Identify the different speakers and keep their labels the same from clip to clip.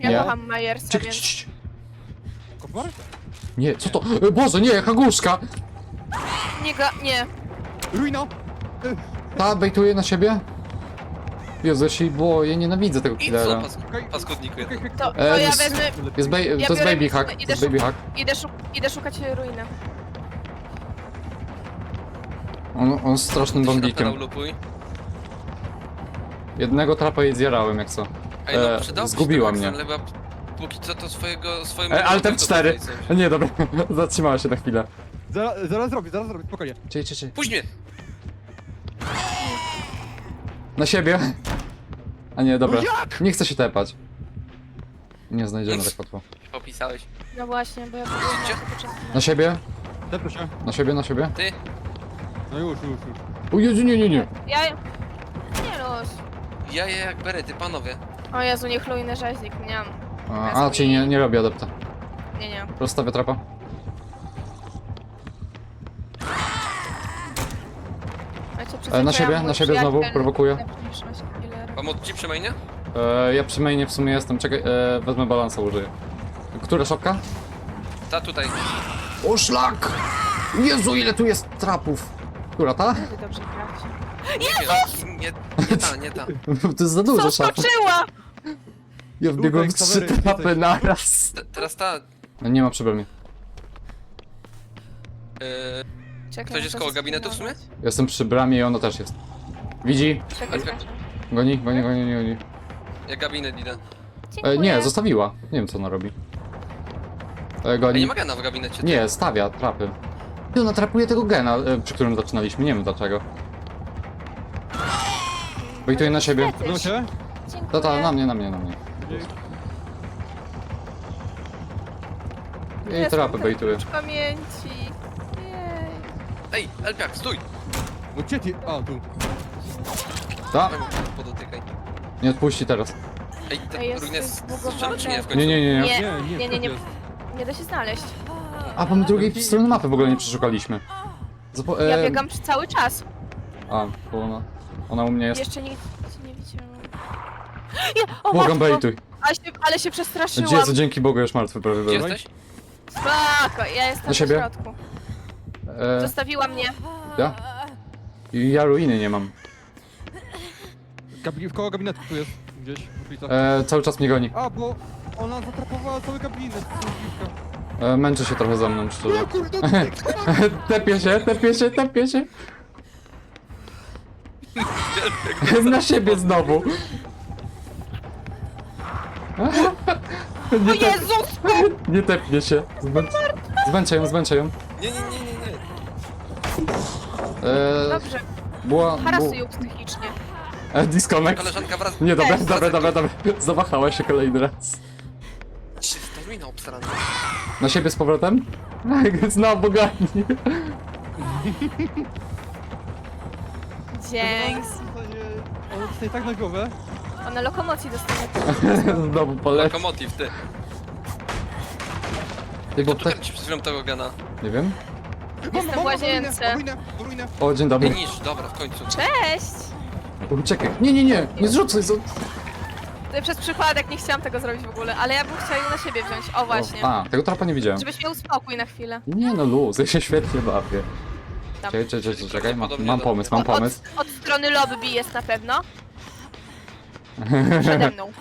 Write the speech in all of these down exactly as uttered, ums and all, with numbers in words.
Speaker 1: Ja
Speaker 2: Nie.
Speaker 1: kocham Majersa,
Speaker 2: Cii,
Speaker 1: więc...
Speaker 2: cii, cii.
Speaker 3: Kopar?
Speaker 2: Nie, co to? E, Boże, nie, jaka głuszka!
Speaker 1: Nie ga... nie.
Speaker 3: Ruina!
Speaker 2: Ta bejtuje na siebie? Jezu, ja się jej boję, nienawidzę tego
Speaker 4: I co,
Speaker 2: killera.
Speaker 4: pas paskudniku jeden.
Speaker 1: To, to
Speaker 2: E,
Speaker 1: ja
Speaker 2: s-
Speaker 1: wezmę...
Speaker 2: Jest bej...
Speaker 1: Ja
Speaker 2: To jest
Speaker 1: biorę-
Speaker 2: baby hack,
Speaker 1: idę
Speaker 2: to jest
Speaker 1: szuk-
Speaker 2: baby hack.
Speaker 1: Idę, szuk... Idę szukać ruiny.
Speaker 2: On, on jest strasznym
Speaker 4: Ty się
Speaker 2: bombikiem.
Speaker 4: napierał, lupuj.
Speaker 2: Jednego trapa jej zjarałem, jak co.
Speaker 4: Ej, no,
Speaker 2: E,
Speaker 4: przydałby się
Speaker 2: zgubiła
Speaker 4: ten
Speaker 2: mnie.
Speaker 4: Axel, chyba póki co to swojego... swojemu...
Speaker 2: E, ale ten
Speaker 4: to
Speaker 2: cztery.
Speaker 4: tutaj coś.
Speaker 2: Nie, dobra, zatrzymała się na chwilę.
Speaker 3: Zaraz, zaraz zrobię, zaraz zrobię, spokojnie.
Speaker 2: Czekaj, czekaj, czekaj.
Speaker 4: Puść mnie!
Speaker 2: Na siebie. A nie, dobra.
Speaker 3: No jak?
Speaker 2: Nie chcę się tepać. Nie znajdziemy tak łatwo.
Speaker 4: Popisałeś.
Speaker 1: No właśnie, bo ja byłem na początku.
Speaker 2: Na siebie,
Speaker 3: Tepnę się.
Speaker 2: na siebie, na siebie.
Speaker 4: Ty?
Speaker 3: No już, już, już.
Speaker 2: O Jezu, nie, nie, nie.
Speaker 1: Ja... Nie los.
Speaker 4: Ja je jak berety, panowie.
Speaker 1: O Jezu, niech ruiny rzeźnik, nie mam.
Speaker 2: A, a czyli nie, nie robię adepta.
Speaker 1: Nie, nie.
Speaker 2: Rozstawię trapa.
Speaker 1: Macie
Speaker 2: E, na siebie, na siebie znowu, prowokuję.
Speaker 4: Pomóc ci przy mainie?
Speaker 2: E, ja przy mainie w sumie jestem, czekaj, e, wezmę balansa, użyję. Która szopka?
Speaker 4: Ta tutaj.
Speaker 2: O szlak! Jezu, ile tu jest trapów! Która ta?
Speaker 1: Wy dobrze gracie.
Speaker 4: Nie, nie, nie ta, nie ta.
Speaker 2: To jest za dużo
Speaker 1: Co
Speaker 2: szaf.
Speaker 1: skoczyła?
Speaker 2: Ja wbiegłem w
Speaker 3: Tutaj,
Speaker 2: trzy
Speaker 3: kamery,
Speaker 2: trapy
Speaker 3: jesteś.
Speaker 2: naraz.
Speaker 4: Te, teraz ta...
Speaker 2: No nie ma przy mnie.
Speaker 4: Yy,
Speaker 1: Czekaj,
Speaker 4: Ktoś jest
Speaker 1: muszę
Speaker 4: koło gabinetu w sumie?
Speaker 1: zeskanować.
Speaker 2: Jestem przy bramie i ona też jest. Widzi?
Speaker 1: Czekaj,
Speaker 4: Okej.
Speaker 1: okay.
Speaker 2: Goni, goni, goni, goni. goni.
Speaker 4: ja gabinet idę.
Speaker 2: E, nie, zostawiła. Nie wiem co ona robi. E,
Speaker 4: A nie
Speaker 2: goni.
Speaker 4: ma gena w gabinecie. ty.
Speaker 2: Nie, stawia trapy. I ona trapuje tego gena, e, przy którym zaczynaliśmy, nie wiem dlaczego. Wejtuje na siebie.
Speaker 3: Udało się?
Speaker 2: Ta, ta, na mnie, na mnie, na mnie. I trapy bejtuje.
Speaker 1: Pamięci. Jej.
Speaker 4: Ej, Elpiak, stój!
Speaker 3: No gdzie ty? A, tu.
Speaker 2: Ta,
Speaker 4: Weź, podotykaj.
Speaker 2: nie odpuści teraz.
Speaker 4: Ej, te
Speaker 1: Ej, jest
Speaker 4: ruiny
Speaker 1: coś
Speaker 4: jest
Speaker 1: zbugowane.
Speaker 4: strzelone czy nie w końcu?
Speaker 2: Nie, nie, nie, nie.
Speaker 1: Nie,
Speaker 3: Nie,
Speaker 1: nie, nie,
Speaker 3: nie,
Speaker 1: nie.
Speaker 3: jest.
Speaker 1: Nie da się znaleźć.
Speaker 2: A, bo my drugiej strony mapy w ogóle nie przeszukaliśmy. Zapo
Speaker 1: Ja
Speaker 2: e,
Speaker 1: biegam przez cały czas.
Speaker 2: A, bo ona, ona u mnie jest.
Speaker 1: Jeszcze nic nie widziałam. Ja, o
Speaker 2: Błagam,
Speaker 1: matko,
Speaker 2: bejtuj.
Speaker 1: ale się, ale się przestraszyłam.
Speaker 2: Jezu, dzięki Bogu już martwy prawie
Speaker 4: Gdzie
Speaker 2: był.
Speaker 4: jesteś?
Speaker 1: Spoko, ja jestem
Speaker 2: Na
Speaker 1: w
Speaker 2: siebie?
Speaker 1: środku.
Speaker 2: E,
Speaker 1: Zostawiła mnie.
Speaker 2: ja? I ja ruiny nie mam.
Speaker 3: Gabi w koło gabinetu tu jest. Gdzieś w okolicy.
Speaker 2: E, cały czas mnie goni.
Speaker 3: A, bo ona zatrapowała cały gabinet. Dziwka.
Speaker 2: E, męczy się trochę za mną, szczerze.
Speaker 3: O kurde,
Speaker 2: Tepie się, tepie się, tepie się. Na siebie znowu.
Speaker 1: O
Speaker 2: Nie, tep,
Speaker 1: Jezus!
Speaker 2: nie tepnie się. Zmę... Zmęczę ją, zmęczę ją.
Speaker 4: Nie, nie, nie, nie, nie.
Speaker 2: E,
Speaker 1: Dobrze,
Speaker 2: była... Bu...
Speaker 1: harasuj ją psychicznie.
Speaker 2: E, disconnect.
Speaker 4: Koleżanka wraz...
Speaker 2: Nie, dobra,
Speaker 1: Cześć.
Speaker 2: dobra, dobra, dobra. Zawahała się kolejny raz.
Speaker 4: Ta ruina obstarana.
Speaker 2: Na siebie z powrotem? Znowu goni.
Speaker 1: Dzięki.
Speaker 3: Ona tutaj tak na głowę.
Speaker 1: Ona lokomocji dostanie.
Speaker 2: Znowu poleci.
Speaker 4: Lokomotiv, ty.
Speaker 2: Ty, bo
Speaker 4: Kto tu
Speaker 2: tak...
Speaker 4: kręci przed chwilą tego gena?
Speaker 2: Nie wiem.
Speaker 1: Jestem w łazience.
Speaker 3: Ruinę, ruinę.
Speaker 2: O, dzień dobry.
Speaker 4: Niż, dobra, w końcu.
Speaker 1: Cześć!
Speaker 2: Uciekaj. Nie, nie, nie. Nie zrzucaj. Z...
Speaker 1: Przez przypadek nie chciałam tego zrobić w ogóle, ale ja bym chciała ją na siebie wziąć. O właśnie.
Speaker 2: A, tego trapa nie widziałem.
Speaker 1: Żebyś miał spokój na chwilę.
Speaker 2: Nie no, luz, ja się świetnie bawię.
Speaker 1: Tam.
Speaker 2: Czekaj, czekaj, czekaj, czekaj. Mam,
Speaker 4: Prawdopodobnie
Speaker 2: mam
Speaker 4: do-
Speaker 2: pomysł, mam
Speaker 1: Od,
Speaker 2: pomysł.
Speaker 1: od strony lobby jest na pewno. Przede mną.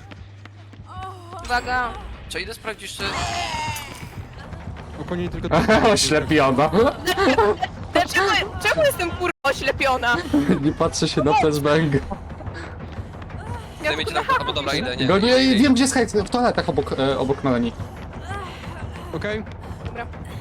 Speaker 1: Uwaga.
Speaker 4: Czy idę sprawdzić, czy...
Speaker 3: Spokojnie, tylko...
Speaker 2: Oślepiona.
Speaker 1: Dlaczego, czemu jestem kurwa oślepiona?
Speaker 2: Nie patrzę się na flashbang.
Speaker 1: Ja
Speaker 4: Zajmiecie tam... Albo dobra, idę, nie.
Speaker 2: Go nie,
Speaker 4: idę,
Speaker 2: wiem gdzie jest hajs, w toaletach obok, e, obok Melanie.
Speaker 3: Okej.
Speaker 1: Dobra.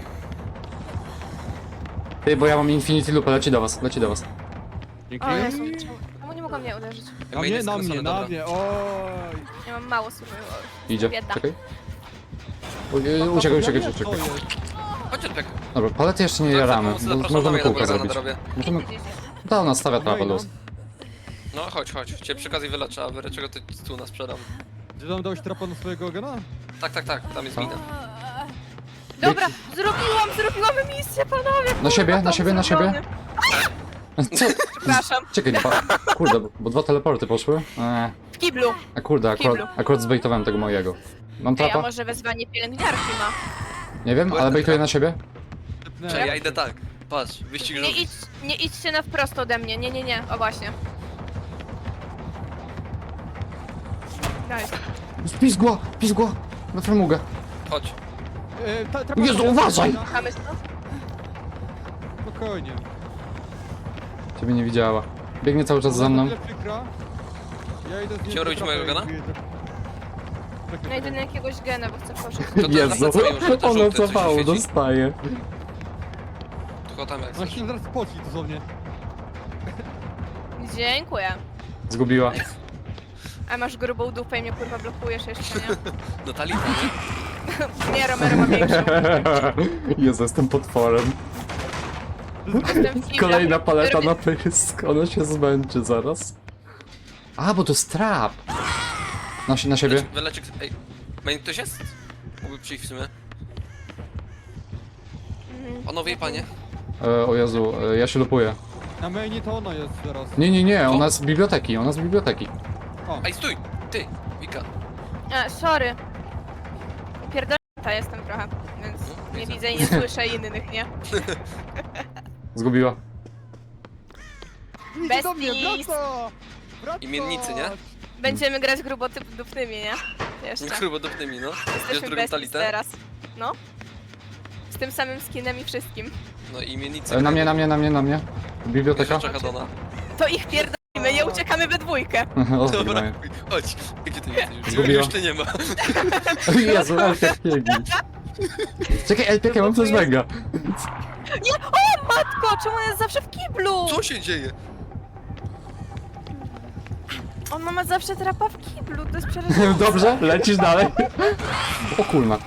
Speaker 2: Ty, bo ja mam Infinity Loop, leci do was, leci do was.
Speaker 3: Dzięki.
Speaker 1: O Jezu, czemu- czemu nie mogą mnie uderzyć?
Speaker 3: Na mnie, na mnie, na mnie, oj.
Speaker 1: Ja mam mało słów.
Speaker 2: Idzie,
Speaker 1: Bieda.
Speaker 2: czekaj. U- e, Uciekaj, uciekaj, uciekaj.
Speaker 4: Chodź, Elpiak.
Speaker 2: Dobra, palety jeszcze nie jaramy, bo
Speaker 4: Zapraszam
Speaker 2: możemy
Speaker 4: na
Speaker 2: kółka
Speaker 4: na
Speaker 2: zrobić.
Speaker 4: drobie.
Speaker 2: Możemy... Ta, ona stawia trapę
Speaker 3: Okej, no.
Speaker 2: luz.
Speaker 4: No chodź, chodź. Cię przy okazji wyleczę, a wyrę czego ty tu nas sprzedam.
Speaker 3: Czy tam dałeś trapa na swojego gena?
Speaker 4: Tak, tak, tak, tam jest mina.
Speaker 1: Dobra, zrobiłam, zrobiłam misję, panowie!
Speaker 2: Na siebie,
Speaker 1: kurwa,
Speaker 2: na
Speaker 1: tam
Speaker 2: siebie, na siebie.
Speaker 1: zrobione.
Speaker 2: Co?
Speaker 1: Przepraszam.
Speaker 2: Czekaj, nie pa... Kurde, bo, bo dwa teleporty poszły. Eee.
Speaker 1: W kiblu.
Speaker 2: A kurde, akurat,
Speaker 1: Kiblu.
Speaker 2: akurat zbejtowałem tego mojego. Mam
Speaker 1: Ej, a
Speaker 2: trapa?
Speaker 1: może wezwanie pielęgniarki ma?
Speaker 2: Nie wiem, ale bejtuję na siebie.
Speaker 4: Czy ja idę tak. Patrz, wyścig
Speaker 1: Nie,
Speaker 4: żółwi.
Speaker 1: idź, nie idźcie na wprost ode mnie, nie, nie, nie, o właśnie. Daj.
Speaker 2: Pizgła, pizgła. Na framugę.
Speaker 4: Chodź.
Speaker 3: E, ta, trapa-
Speaker 2: Jezu, uważaj!
Speaker 1: Kochamy stąd?
Speaker 3: Spokojnie.
Speaker 2: Ciebie nie widziała. Biegnie cały czas za mną.
Speaker 3: Tyle przykra. Ja idę z nim
Speaker 4: Chciał robić
Speaker 3: do trapy
Speaker 4: mojego
Speaker 3: i
Speaker 4: gena?
Speaker 3: wyjeżdżę. Czekaj,
Speaker 1: No idę na
Speaker 3: czekaj.
Speaker 1: jakiegoś gena, bo chcę poszedć.
Speaker 4: To to
Speaker 2: Jezu,
Speaker 4: zawracają, że to
Speaker 2: ono
Speaker 4: żółte coś
Speaker 2: cofało,
Speaker 4: świeci.
Speaker 2: dostaje.
Speaker 4: Tylko tam jak
Speaker 3: Ona
Speaker 4: coś.
Speaker 3: się zaraz poci dosłownie.
Speaker 1: Dziękuję.
Speaker 2: Zgubiła.
Speaker 1: A masz grubą dupę i mnie kurwa blokujesz jeszcze, nie?
Speaker 4: No Talita, nie?
Speaker 1: Nie, Romero ma większą.
Speaker 2: Jezu, jestem potworem.
Speaker 1: Jestem w kiblu.
Speaker 2: Kolejna paleta
Speaker 1: Robię-
Speaker 2: na pysk. Ona się zmęczy zaraz. A, bo to jest trap. Na, si- na siebie.
Speaker 4: Wyleczek. Ej. Main ktoś jest? Mógłby przyjść w sumie.
Speaker 1: Mhm.
Speaker 4: Panowie i panie.
Speaker 2: E, o Jezu, e, ja się lupuję.
Speaker 3: Na mainie to ona jest teraz.
Speaker 2: Nie, nie, nie, ona z biblioteki, ona z biblioteki.
Speaker 3: O,
Speaker 4: Ej, stój! Ty! Wika.
Speaker 1: A, sorry. Pierdolnięta jestem trochę, więc
Speaker 4: No,
Speaker 1: nie
Speaker 4: widzę.
Speaker 1: widzę i nie słyszę innych, nie?
Speaker 2: Zgubiła.
Speaker 3: idzie do mnie,
Speaker 1: Besties.
Speaker 3: wraca! Wraca!
Speaker 4: Imiennicy, nie?
Speaker 1: Będziemy grać grubo typ dupnymi, nie? Jeszcze.
Speaker 4: Grubodupnymi, no. Bierz
Speaker 1: Jesteśmy
Speaker 4: drugą
Speaker 1: besties
Speaker 4: Talitę.
Speaker 1: teraz. No. Z tym samym skinem i wszystkim.
Speaker 4: No i imiennicy.
Speaker 2: E, na mnie, na mnie, na mnie, na mnie. Biblioteka.
Speaker 4: Czeka Dona.
Speaker 1: To ich pierdolimy, nie uciekamy we dwójkę.
Speaker 2: O,
Speaker 4: Dobra,
Speaker 2: zgubiła.
Speaker 4: chodź. Gdzie ty jesteś?
Speaker 2: Zgubiła.
Speaker 4: Już ty nie ma.
Speaker 2: Jezu, Elpiak biegnie. Czekaj, Elpiak, ja mam coś mega.
Speaker 1: Nie! O matko! Czemu on jest zawsze w kiblu?
Speaker 4: Co się dzieje?
Speaker 1: On ma zawsze trapa w kiblu, to jest przerażające.
Speaker 2: Dobrze, lecisz dalej. O kurna.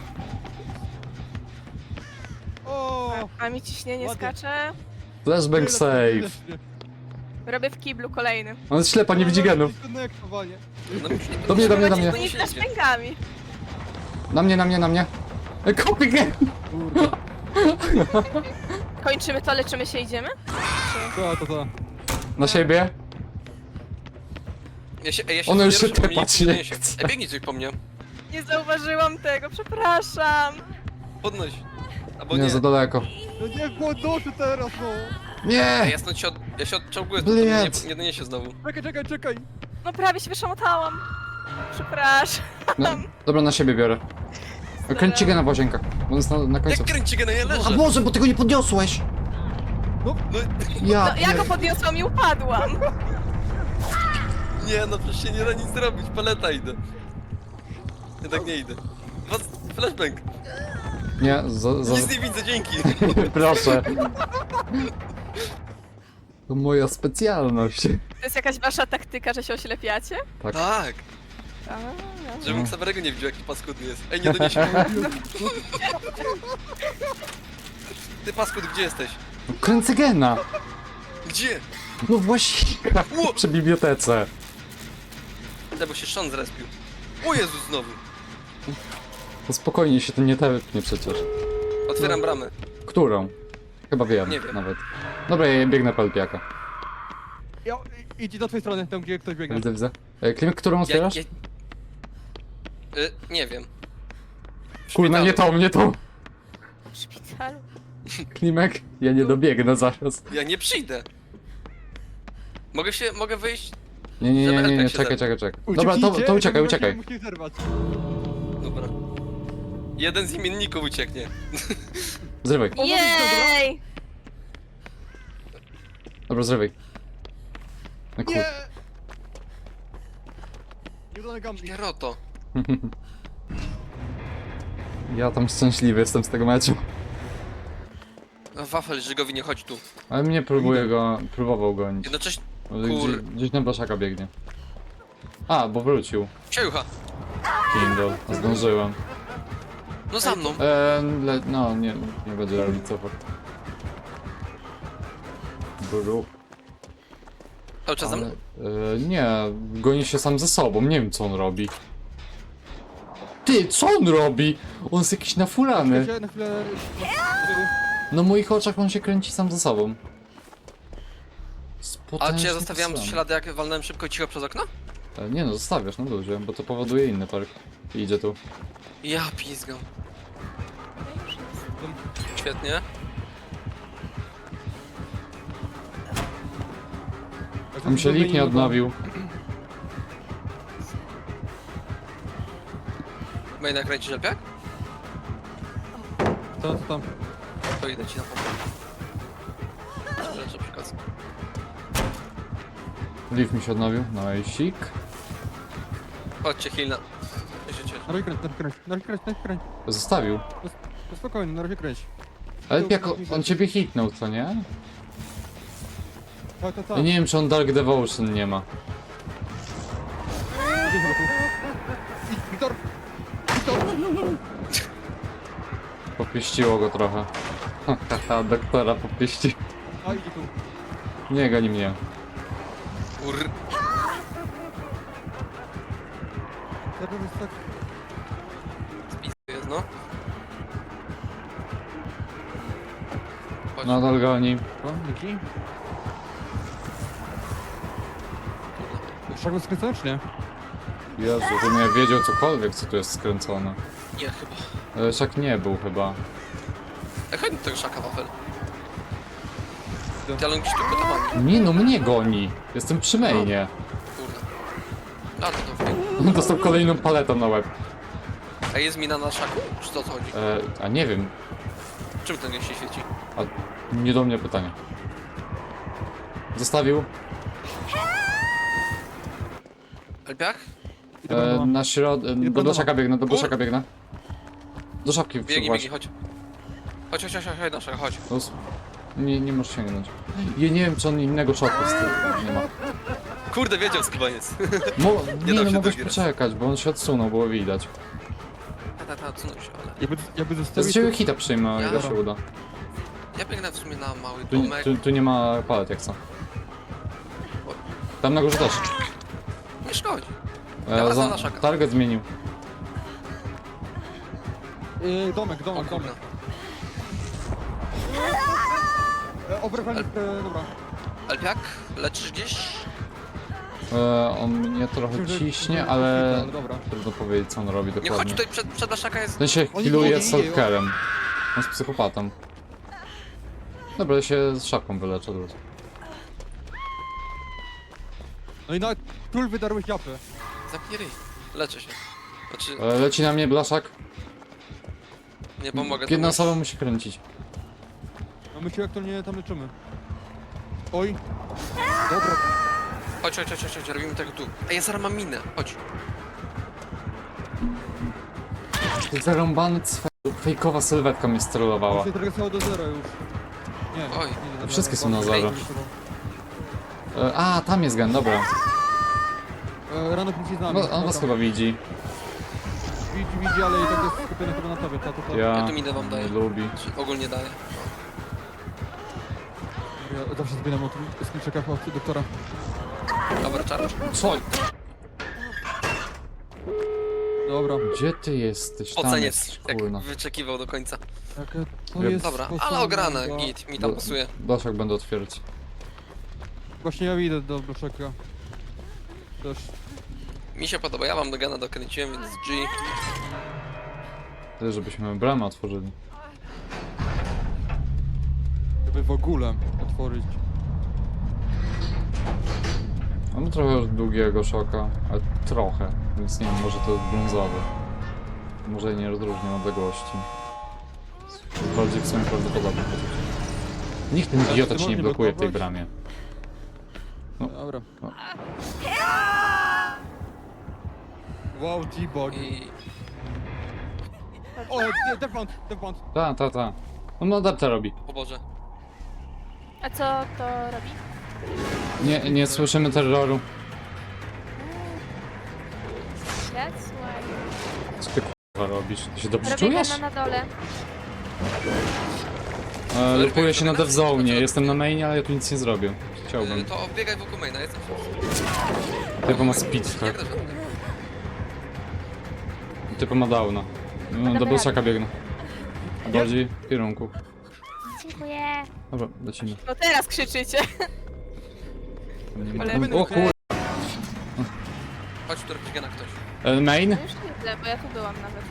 Speaker 3: O!
Speaker 1: A mi ciśnienie
Speaker 3: Ładnie.
Speaker 1: skacze.
Speaker 2: Flashbang
Speaker 3: tyle,
Speaker 2: save.
Speaker 3: tyle, tyle.
Speaker 1: Robię w kiblu kolejny.
Speaker 2: On jest ślepa, nie widzi genów.
Speaker 3: Konektowanie.
Speaker 4: No,
Speaker 2: Do mnie, do mnie, do mnie.
Speaker 1: Oni flashbangami.
Speaker 2: Na mnie, na mnie, na mnie. E, Kopy gen!
Speaker 3: Kurde.
Speaker 1: Kończymy to, leczymy się, idziemy?
Speaker 3: To, to, to.
Speaker 2: Na siebie.
Speaker 4: Ja się, ej, ja się
Speaker 2: Ono już
Speaker 4: zbieram,
Speaker 2: się
Speaker 4: żeby mnie
Speaker 2: tepać
Speaker 4: nikt
Speaker 2: nie
Speaker 4: nie niesie.
Speaker 2: chce.
Speaker 4: Ej, biegnij coś po mnie.
Speaker 1: Nie zauważyłam tego, przepraszam.
Speaker 4: Podnoś. Albo
Speaker 2: Nie,
Speaker 4: nie.
Speaker 2: za daleko.
Speaker 3: No nie głodoszy teraz, no!
Speaker 4: Ej,
Speaker 2: Nie!
Speaker 4: ja stąd się od... Ja się odczołguję, to mnie nie,
Speaker 2: Bliec.
Speaker 4: nie doniesie znowu.
Speaker 3: Czekaj, czekaj, czekaj!
Speaker 1: No prawie się wyszamotałam. Przepraszam.
Speaker 2: No, dobra, na siebie biorę. Kręćcie gena w łazienkach. Bo on jest na, na końcu.
Speaker 4: Jak kręci go na ja
Speaker 2: A
Speaker 4: leżę?
Speaker 2: Boże, bo tego nie podniosłeś!
Speaker 4: No,
Speaker 2: Ja,
Speaker 1: No, ja go podniosłam i upadłam.
Speaker 4: nie, no przecież się nie da nic zrobić. Paleta idę. Jednak nie idę. Was, flashbang.
Speaker 2: nie, za, za,
Speaker 4: Nic nie widzę, dzięki.
Speaker 2: proszę. To moja specjalność.
Speaker 1: To jest jakaś wasza taktyka, że się oślepiacie?
Speaker 2: Tak.
Speaker 4: Tak.
Speaker 1: A, no.
Speaker 4: Żebym Xaverego nie widział, jaki paskudny jest. Ej, nie doniesie. Ty paskud, gdzie jesteś?
Speaker 2: No, kręcę gena!
Speaker 4: Gdzie?
Speaker 2: No właśnie,
Speaker 4: Ło!
Speaker 2: przy bibliotece.
Speaker 4: Te, bo się Sean zrespił. O Jezus, znowu.
Speaker 2: To spokojnie się to nie tepnie przecież.
Speaker 4: Otwieram bramę.
Speaker 2: Którą? Chyba wiem,
Speaker 4: Nie wiem.
Speaker 2: nawet. Dobra, ja biegnę po Elpiaka.
Speaker 3: Ja, idź do twojej strony, tam gdzie ktoś biega.
Speaker 2: Widzę, widzę. E, Klimek, którą
Speaker 4: Ja,
Speaker 2: otwierasz?
Speaker 4: ja... Y, nie wiem. W
Speaker 2: Kurna, nie
Speaker 4: szpitalu.
Speaker 2: tą, nie tą.
Speaker 1: W szpitalu.
Speaker 2: Klimek, ja nie dobiegnę zaraz.
Speaker 4: Ja nie przyjdę. Mogę się, mogę wyjść?
Speaker 2: Nie, nie, nie, nie, nie,
Speaker 4: Elpiak się
Speaker 2: czekaj,
Speaker 4: zerwie.
Speaker 2: czekaj, czekaj. Dobra, to, to uciekaj, uciekaj.
Speaker 3: Musisz zerwać.
Speaker 4: Dobra. Jeden z imienników ucieknie.
Speaker 2: Zrywaj.
Speaker 1: Jej!
Speaker 2: Dobra, zrywaj. No kur...
Speaker 3: Nie! Nieudany gambling.
Speaker 4: Pieroto.
Speaker 2: Ja tam szczęśliwy jestem z tego meczu.
Speaker 4: A Wafel, Żygowi, nie chodź tu.
Speaker 2: Ale mnie próbuje go, próbował gonić.
Speaker 4: Jednocześnie...
Speaker 2: Ale
Speaker 4: Kur-
Speaker 2: Gdzieś, gdzieś na blaszaka biegnie. A, bo wrócił.
Speaker 4: Siajucha.
Speaker 2: Kindle, zdążyłem.
Speaker 4: No za mną.
Speaker 2: Eee, le, no, nie, nie będzie robić cofać. Bru.
Speaker 4: Cały czas za
Speaker 2: Ale,
Speaker 4: mną?
Speaker 2: e, nie, goni się sam ze sobą, nie wiem co on robi. Ty, co on robi? On jest jakiś nafurany.
Speaker 3: Czekajcie, na chwilę...
Speaker 2: Na moich oczach on się kręci sam ze sobą.
Speaker 4: A czy ja zostawiałem ślady, jak walnąłem szybko i cicho przez okno?
Speaker 2: E, Nie no, zostawiasz na luzie, bo to powoduje inny perk. I idzie tu.
Speaker 4: Ja pizgam. Świetnie.
Speaker 2: Tam się lik nie odnowił.
Speaker 4: Main nakręcić lepiej?
Speaker 3: Co, co tam?
Speaker 4: To idę ci na pomoc. Lecę przykaz.
Speaker 2: Leaf mi się odnowił. No i sik.
Speaker 4: Chodźcie, Hilna. Ja się cieszę.
Speaker 3: Na razie kręć, na razie kręć, na razie kręć, na razie kręć.
Speaker 2: Zostawił.
Speaker 3: No spokojnie, na razie kręć.
Speaker 2: Ale jak on, on ciebie hitnął, co nie?
Speaker 3: Tak, tak, tak.
Speaker 2: Ja nie wiem, czy on Dark Devotion nie ma.
Speaker 3: Wiktor! Wiktor!
Speaker 2: Popieściło go trochę. Haha, doktora popieści.
Speaker 3: A, idzie tu.
Speaker 2: Nie goni mnie.
Speaker 4: Ur...
Speaker 3: Zaraz jest tak...
Speaker 4: Spis jest, no. Chodź.
Speaker 2: Nadal goni.
Speaker 3: O, Niki? Szak był skręcony, czy nie?
Speaker 2: Jezu, żebym ja wiedział cokolwiek, co tu jest skręcone.
Speaker 4: Nie, chyba.
Speaker 2: Ale szak nie był chyba.
Speaker 4: Ej, chodź do tego szaka, wafel. Ty, ale on gdzieś tu gotowany.
Speaker 2: Nie no, mnie goni. Jestem przy mainie.
Speaker 4: Kurde. A, to to wbiegł.
Speaker 2: Dostał kolejną paletą na łeb.
Speaker 4: A jest mina na szaku? Czy to o co chodzi?
Speaker 2: E, a nie wiem.
Speaker 4: Czym ten się świeci?
Speaker 2: A nie do mnie pytanie. Zostawił.
Speaker 4: Elpiach?
Speaker 3: Idę do
Speaker 2: E,
Speaker 3: domu.
Speaker 2: na środ... E, do
Speaker 3: do
Speaker 2: blaszaka biegnę, do
Speaker 4: Kur-
Speaker 2: blaszaka biegnę. Do szapki
Speaker 4: Biegnij,
Speaker 2: właśnie.
Speaker 4: biegnij, chodź. Chodź, chodź, chodź, chodź, chodź, chodź.
Speaker 2: Los. Nie, nie możesz sięgnąć. Ja nie wiem, czy on innego szoku z tym nie ma.
Speaker 4: Kurde, wiedział skubaniec.
Speaker 2: Mo nie,
Speaker 4: dał
Speaker 2: no
Speaker 4: się
Speaker 2: mogłeś
Speaker 4: dograć.
Speaker 2: poczekać, bo on się odsunął, było widać.
Speaker 4: Ta, ta, ta, odsunął się, ale...
Speaker 3: Jakby, jakby
Speaker 2: Z
Speaker 3: zostawić...
Speaker 2: ciebie hita przyjmę, o ile
Speaker 4: Ja-
Speaker 2: się uda.
Speaker 4: Ja biegnę w sumie na mały
Speaker 2: Tu,
Speaker 4: domek.
Speaker 2: tu, tu nie ma palet jak co. Tam na górze też.
Speaker 4: Nie szkodzi.
Speaker 2: E,
Speaker 4: Ja wracam
Speaker 2: za,
Speaker 4: na szaka.
Speaker 2: target zmienił.
Speaker 3: Yy, domek,
Speaker 4: O
Speaker 3: domek,
Speaker 4: kurde.
Speaker 3: domek. E, Obrywalnik, e, dobra.
Speaker 4: Elpiak? Leczysz gdzieś?
Speaker 2: E, on mnie trochę
Speaker 3: Myślę, że-
Speaker 2: ciśnie,
Speaker 3: że-
Speaker 2: ale
Speaker 3: ale dobra.
Speaker 2: trudno powiedzieć, co on robi
Speaker 4: Nie, chodź
Speaker 2: dokładnie.
Speaker 4: tutaj, przed, przed blaszaka jest...
Speaker 2: Ten się
Speaker 3: Oni-
Speaker 2: healuje
Speaker 3: oni-
Speaker 2: z Salkerem. On jest psychopatą. Dobra, ja się z szapką wyleczę. Dobra.
Speaker 3: No i na król wydarłeś japę.
Speaker 4: Zamknij ryj. Leczę się. Znaczy,
Speaker 2: E, leci na mnie blaszak.
Speaker 4: nie pomogę. to
Speaker 2: Jedna
Speaker 4: już-
Speaker 2: osoba musi kręcić.
Speaker 3: No my się jak to nie tam leczymy. Oj. Dobra.
Speaker 4: Chodź, chodź, chodź, chodź, chodź, robimy tego tu. Ej, ja zaraz mam minę, chodź.
Speaker 2: Ty zarąbany cwe... Fejkowa sylwetka mnie sterylowała.
Speaker 3: Muszę trochę stało do zera już. Nie.
Speaker 4: Oj.
Speaker 3: nie, nie,
Speaker 2: Wszystkie
Speaker 3: nie,
Speaker 2: są na
Speaker 3: nie,
Speaker 2: zero.
Speaker 3: nie,
Speaker 2: E, a, tam jest gen, dobra.
Speaker 3: E, Rano pójdzie z nami.
Speaker 2: No, on was
Speaker 3: Dobra.
Speaker 2: chyba widzi.
Speaker 3: Widzi, widzi, ale i tak jest skupiony chyba na tobie. Ta, ta, ta.
Speaker 2: Ja
Speaker 4: Ja tu minę wam daję.
Speaker 2: nie lubi.
Speaker 4: Czy ogólnie daję.
Speaker 3: Ja zawsze zbieram o tym skrzynczekach od doktora.
Speaker 4: Dobra, czarasz?
Speaker 2: Co?
Speaker 3: Dobra.
Speaker 2: Gdzie ty jesteś? Tam
Speaker 4: Oceniec,
Speaker 2: jest,
Speaker 4: jak
Speaker 2: kurna.
Speaker 4: wyczekiwał do końca.
Speaker 3: Jakie to
Speaker 2: Ja-
Speaker 3: jest...
Speaker 4: Dobra, ale
Speaker 3: posłane
Speaker 4: ograne,
Speaker 3: do-
Speaker 4: git, mi tam pasuje.
Speaker 2: Blaszak będę otwierać.
Speaker 3: Właśnie ja idę do bloczeka. Też.
Speaker 4: Mi się podoba, ja wam do gana dokręciłem, więc G.
Speaker 2: Tyle, żebyśmy bramę otworzyli.
Speaker 3: Żeby w ogóle otworzyć.
Speaker 2: Mamy trochę długiego szoka, ale trochę, więc nie wiem, może to jest brązowy. Może i nie rozróżniam odległości. Bardziej w sumie prawdopodobnie. Niech ten
Speaker 3: Ale
Speaker 2: idiota
Speaker 3: ty
Speaker 2: ci nie
Speaker 3: możesz
Speaker 2: blokuje w tej
Speaker 3: blokować?
Speaker 2: bramie. No.
Speaker 3: Dobra.
Speaker 2: No.
Speaker 3: Wow, G-Bog.
Speaker 4: I...
Speaker 3: O, nie, Defont, Defont.
Speaker 2: Ta, ta, ta. On adapta robi.
Speaker 4: O Boże.
Speaker 1: A co to robi?
Speaker 2: Nie, nie słyszymy terroru.
Speaker 1: That's why.
Speaker 2: Co ty k***a robisz? Ty się dobrze
Speaker 1: Robię
Speaker 2: czujesz?
Speaker 1: gana na dole.
Speaker 2: E, Lepuję się na dev zone, jestem na mainie, ale ja tu nic nie zrobię. Chciałbym.
Speaker 4: Y, To biegaj wokół maina, jestem
Speaker 2: Typo ma speed,
Speaker 4: Nie
Speaker 2: tak?
Speaker 4: da żadnego.
Speaker 2: Typo ma downa. No, do blaszaka biegnę. Bardziej w kierunku.
Speaker 1: Dziękuję.
Speaker 2: Dobra, lecimy.
Speaker 1: No teraz krzyczycie.
Speaker 2: Nie
Speaker 1: Ale-
Speaker 2: ma... O kur...
Speaker 4: Chodź tu robić gena ktoś.
Speaker 2: E, Main?
Speaker 1: No już widzę, bo ja tu byłam nawet.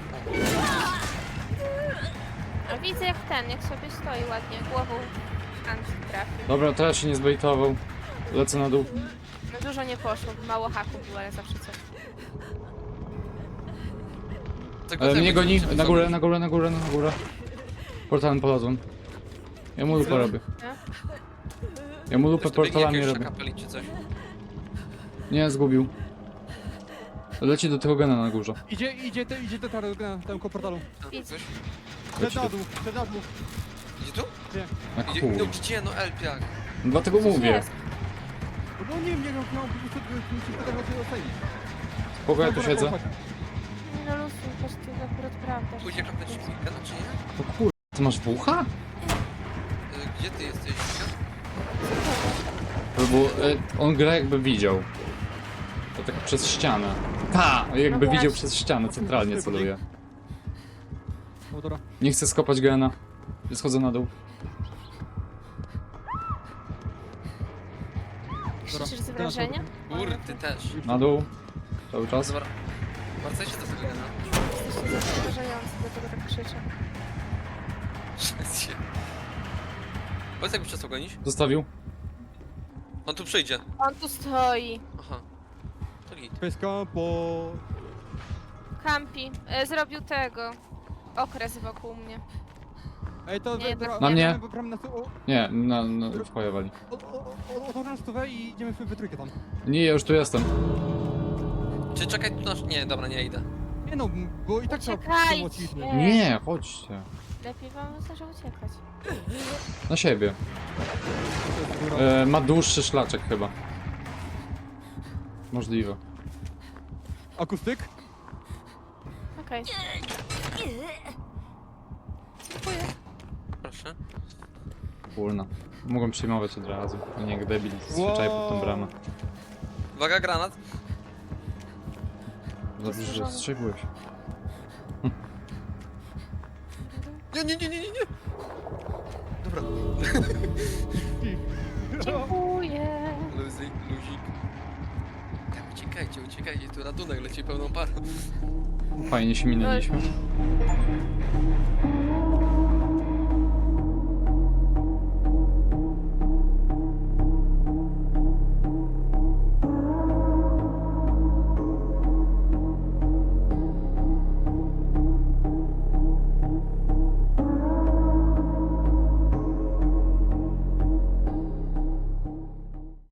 Speaker 1: A widzę jak ten, jak sobie stoi ładnie, głową Anki trafił.
Speaker 2: Dobra, teraz się nie zbejtował. Lecę na dół.
Speaker 1: No dużo nie poszło, mało haków było, ale zawsze coś.
Speaker 4: Tego
Speaker 2: Ale
Speaker 4: zajmę
Speaker 2: mnie
Speaker 4: się,
Speaker 2: goni.
Speaker 4: żeby
Speaker 2: Na górę,
Speaker 4: zrobić.
Speaker 2: na górę, na górę, na górę. Portalem polazłem. Ja mu lupę robię.
Speaker 1: Nie?
Speaker 2: Ja mu lupę
Speaker 4: Ktoś tu biegnie
Speaker 2: portalami
Speaker 4: jakiegoś
Speaker 2: robię.
Speaker 4: szaka palić czy coś.
Speaker 2: Nie, zgubił. Leci do tego gena na górze.
Speaker 3: Idzie, idzie, te, idzie te tary na tam koło portalu.
Speaker 4: A,
Speaker 1: Idź.
Speaker 4: Ktoś?
Speaker 3: Przed na dół, przed na dół.
Speaker 4: Idzie tu?
Speaker 3: Nie.
Speaker 2: Na
Speaker 4: Idzie,
Speaker 2: kur...
Speaker 4: no gdzie, no Elpiak.
Speaker 2: Dlatego
Speaker 1: Coś
Speaker 2: mówię.
Speaker 1: jest.
Speaker 3: No nie wiem, nie wiem, miał po prostu musisz pytać o ocenić.
Speaker 2: Spoko, ja tu siedzę.
Speaker 1: Nie no lusuj, patrz, to jest akurat prawda.
Speaker 4: Pójdzie kapnąć gena czy nie?
Speaker 2: To kur... Ty masz wucha?
Speaker 4: Y, Gdzie ty jesteś, Wika?
Speaker 2: Bo e, on gra jakby widział. To tak przez ścianę. Ta! Jakby
Speaker 1: No
Speaker 2: widział
Speaker 1: właśnie.
Speaker 2: przez ścianę, centralnie celuje.
Speaker 3: No dobra.
Speaker 2: Nie chcę skopać gena. Schodzę na dół.
Speaker 1: Krzyczysz z wrażenia?
Speaker 4: Kur, ty też.
Speaker 2: Na dół. Cały czas.
Speaker 4: Dobra. Wracajcie do tego gena.
Speaker 1: Jesteście zastrzeżający, dlatego tak krzyczę.
Speaker 4: Się. Powiedz jakby przestał gonić.
Speaker 2: Zostawił.
Speaker 4: On tu przyjdzie.
Speaker 1: On tu stoi.
Speaker 4: Aha. To git.
Speaker 3: Pyska po...
Speaker 1: Kampi. E, zrobił tego. Okres wokół mnie.
Speaker 3: Ej, to...
Speaker 1: Nie,
Speaker 3: dobra,
Speaker 1: tak
Speaker 2: Na
Speaker 1: nie.
Speaker 2: mnie.
Speaker 3: Bram, bram na stu... o,
Speaker 2: Nie, na, na, wpojewali.
Speaker 3: o, o, o, Otworzę stówę i idziemy w wytrójkę tam.
Speaker 2: Nie, ja już tu jestem.
Speaker 4: Czy czekaj tu nasz... Nie, dobra, nie idę.
Speaker 3: Nie no, bo i tak trzeba
Speaker 1: Uciekajcie.
Speaker 3: pomóc.
Speaker 1: Nie.
Speaker 2: Nie, chodźcie.
Speaker 1: Lepiej wam może uciekać.
Speaker 2: Na siebie. E, ma dłuższy szlaczek chyba. Możliwe.
Speaker 3: Akustyk?
Speaker 1: Okej. Dziękuję.
Speaker 4: Proszę.
Speaker 2: Kurna. Mogłem przyjmować od razu. A nie jak debil. Zwyczaj pod tą bramę.
Speaker 4: Uwaga, granat.
Speaker 2: Dobrze, że strzegłeś.
Speaker 4: Nie, nie, nie, nie, nie, nie. Dobra.
Speaker 1: Dziękuję.
Speaker 4: Luzik, luzik. Tak, uciekajcie, uciekajcie, tu ratunek leci pełną parą.
Speaker 2: Fajnie się minęliśmy.